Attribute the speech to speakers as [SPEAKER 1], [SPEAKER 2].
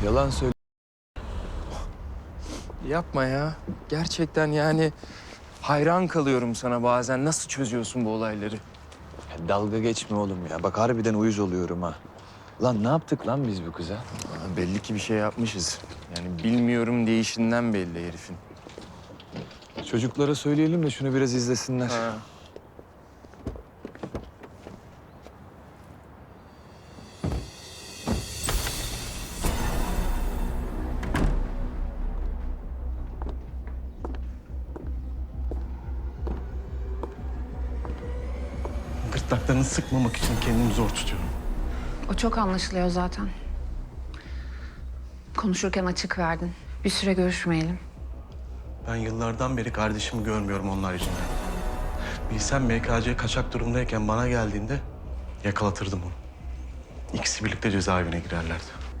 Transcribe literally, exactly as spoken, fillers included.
[SPEAKER 1] Yalan söyle.
[SPEAKER 2] Yapma ya. Gerçekten yani hayran kalıyorum sana bazen. Nasıl çözüyorsun bu olayları?
[SPEAKER 1] Ya dalga geçme oğlum ya. Bak harbiden uyuz oluyorum ha. Lan ne yaptık lan biz bu kıza?
[SPEAKER 2] Aa, belli ki bir şey yapmışız. Yani bilmiyorum değişinden belli herifin.
[SPEAKER 1] Çocuklara söyleyelim de şunu biraz izlesinler.
[SPEAKER 2] Ha.
[SPEAKER 3] Gırtlaklarını sıkmamak için kendimi zor tutuyorum.
[SPEAKER 4] O çok anlaşılıyor zaten. Konuşurken açık verdin. Bir süre görüşmeyelim.
[SPEAKER 3] Ben yıllardan beri kardeşimi görmüyorum onlar yüzünden. Bilsem M K C kaçak durumdayken bana geldiğinde yakalatırdım onu. İkisi birlikte cezaevine girerlerdi.